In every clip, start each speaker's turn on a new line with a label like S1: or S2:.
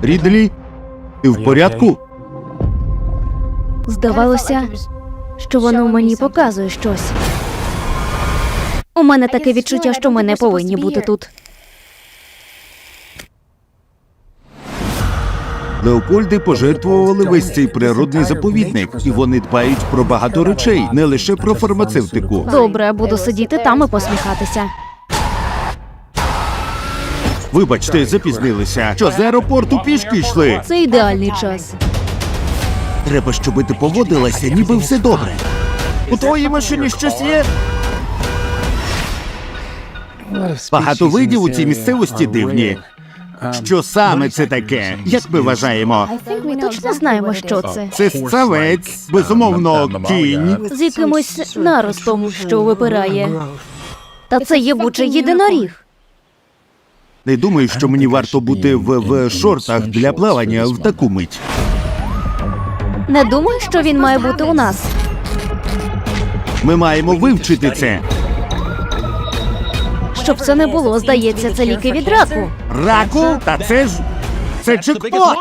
S1: Рідлі, ти в порядку?
S2: Здавалося, що воно мені показує щось. У мене таке відчуття, що ми не повинні бути тут.
S1: Леопольди пожертвували весь цей природний заповідник, і вони дбають про багато речей, не лише про фармацевтику.
S2: Добре, буду сидіти там і посміхатися.
S1: Вибачте, запізнилися. Що, з аеропорту пішки йшли?
S2: Це ідеальний час.
S1: Треба, щоб ти поводилася, ніби все добре. У твоїй машині щось є? Багато видів у цій місцевості дивні. Що саме це таке? Як ми вважаємо?
S2: Ми точно знаємо, що це.
S1: Це ссавець, безумовно, кінь.
S2: З якимось наростом, що випирає. Та це єбучий єдиноріг.
S1: Не думаю, що мені варто бути в шортах для плавання в таку мить.
S2: Не думаю, що він має бути у нас.
S1: Ми маємо вивчити це.
S2: Щоб це не було, здається, це ліки від раку.
S1: Раку? Та це джекпот!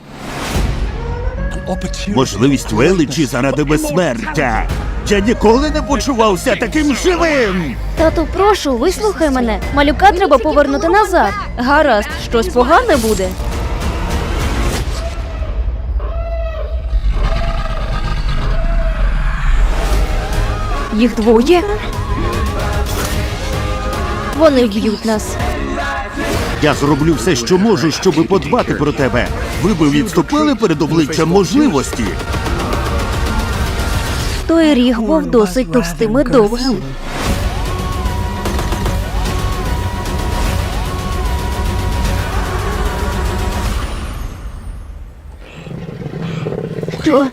S1: Можливість величі заради безсмертя. Я ніколи не почувався таким живим!
S2: Тату, прошу, вислухай мене. Малюка треба повернути назад. Гаразд, щось погане буде. Їх двоє? Вони вб'ють нас.
S1: Я зроблю все, що можу, щоб подбати про тебе. Ви би відступили перед обличчям можливості.
S2: Той ріг був досить товстим і довгим. Що?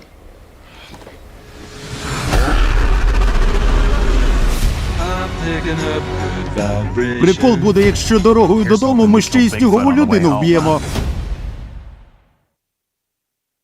S1: Прикол буде, якщо дорогою додому ми ще й снігову людину вб'ємо.